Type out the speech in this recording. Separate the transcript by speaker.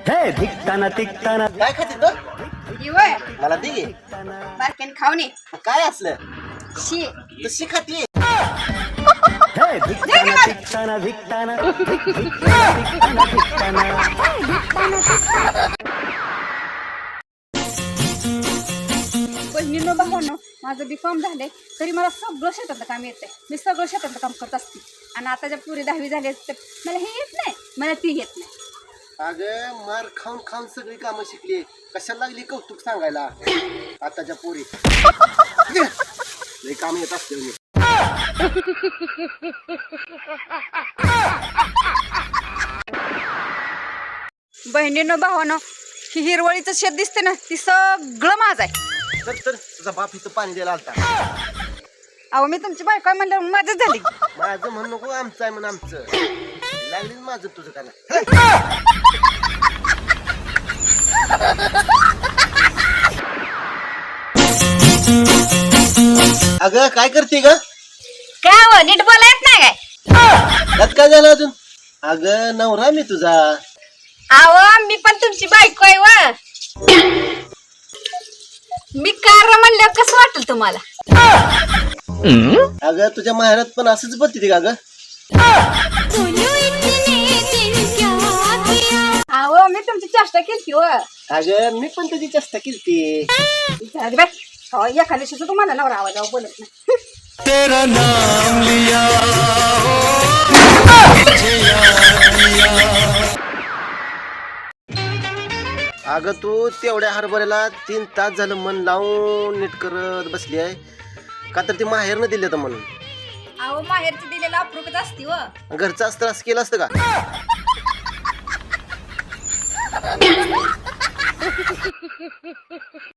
Speaker 1: हे धिकताना तिकताना
Speaker 2: काय खाते तो
Speaker 3: इवय
Speaker 2: मला दे गे.
Speaker 3: बारक्याने खाऊन ये
Speaker 2: काय असलं
Speaker 3: शी
Speaker 2: तशी खाते
Speaker 1: हे धिकताना तिकताना धिकताना धिकताना तिकताना
Speaker 3: बहिणीनं भावानं माझं B.Com झालंय तरी मला सगळं शेतातलं काम येतंय. मी सगळं शेतातलं काम करत असते आणि आता ज्या पुरी 10वी झाली तर मला हे येत नाही, मला ती येत नाही.
Speaker 2: अगं मार खाऊन खाऊन सगळी कामं शिकली कशाला लागली कौतुक सांगायला आताच्या पोरी लई काम येत असते मी.
Speaker 3: बहिणीनं भावानं ही हिरवळीचं शेत दिसते ना ती सगळं माझं आहे.
Speaker 2: तर तुझा बाप इथं पाणी द्यायला आलता.
Speaker 3: अहो मी तुमची बायको आहे म्हणल्यावर मदत झाली.
Speaker 2: माझं म्हणू नको आमचं आहे म्हणून आमचं लागली माझं तुझं का नाही. अगं काय करते ग
Speaker 3: काय हो नीट बोला येत नाही काय?
Speaker 2: त्यात काय झालं अजून अगं नवरा मी तुझा
Speaker 3: अहो मी पण तुमची बायको आहे व मी कार म्हणल्यावर कसं वाटेल तुम्हाला?
Speaker 2: अगं तुझ्या माहेरात पण असंच बोलते का ग
Speaker 3: अहो मी तुमची चेष्टा केली व
Speaker 2: अगं मी पण तुझी चेष्टा केली
Speaker 3: एखाद्या दिवशी तुम्हाला नवरा आवाजावर बोलत नाही.
Speaker 1: तेरा नाम लिया
Speaker 2: अगं तू तेवढ्या हरभऱ्याला 3 तास झालं मन लावून नीट करत बसली आहे का तर ती माहेरनं दिले तर म्हणून.
Speaker 3: अहो माहेरची दिलेला अप्रूपच असती व
Speaker 2: घरचं असतं असं केलं असतं का